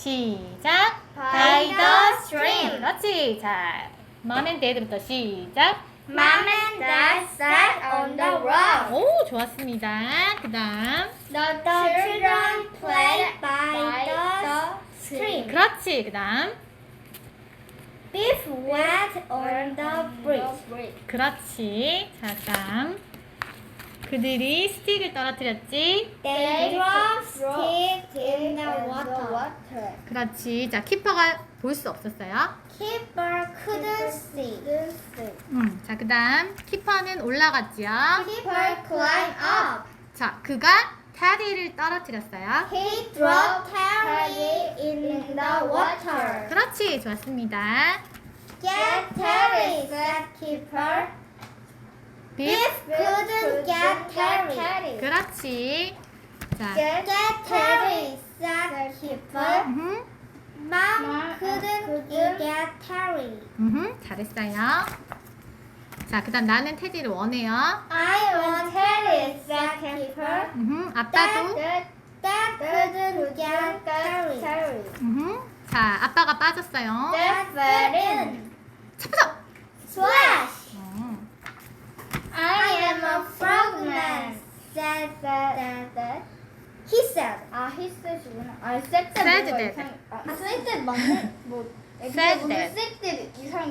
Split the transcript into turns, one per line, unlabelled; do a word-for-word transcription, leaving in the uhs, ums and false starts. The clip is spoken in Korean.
시작.
By the stream.
그렇지. 자, mom and dad부터 시작.
Mom and Dad sat on the rock.
오, 좋았습니다. 그 다음.
The children played by the stream.
그렇지. 그 다음.
Beef went on the bridge.
그렇지. 자, 그 다음. 그들이 스틱을 떨어뜨렸지.
They dropped stick in the water.
그렇지. 자, 키퍼가 볼 수 없었어요.
Keeper couldn't see.
음, 자, 그 다음. 키퍼는 올라갔지요.
Keeper climbed up.
자, 그가 테디를 떨어뜨렸어요.
He dropped Terry in the water.
그렇지. 좋았습니다.
Get Terry, said Keeper. Beef couldn't get Terry.
그렇지. 자,
Get Terry, said Keeper.
음,
Mom couldn't get Terry.
음, 잘했어요. 자, 그 다음 나는 테디를 원해요.
I want Terry, said Keeper.
음, 아빠도.
Dad, Dad couldn't get Terry.
음, 자, 아빠가 빠졌어요.
Dad fell in.
차프석.
Splash!
어,
I am a frogman, said Dad. He said. 아, he said이구나. 아, said
Said
뭐가
that.
이상- 아, said that 맞네. 뭐,
Said
오늘
that.
said that 이상.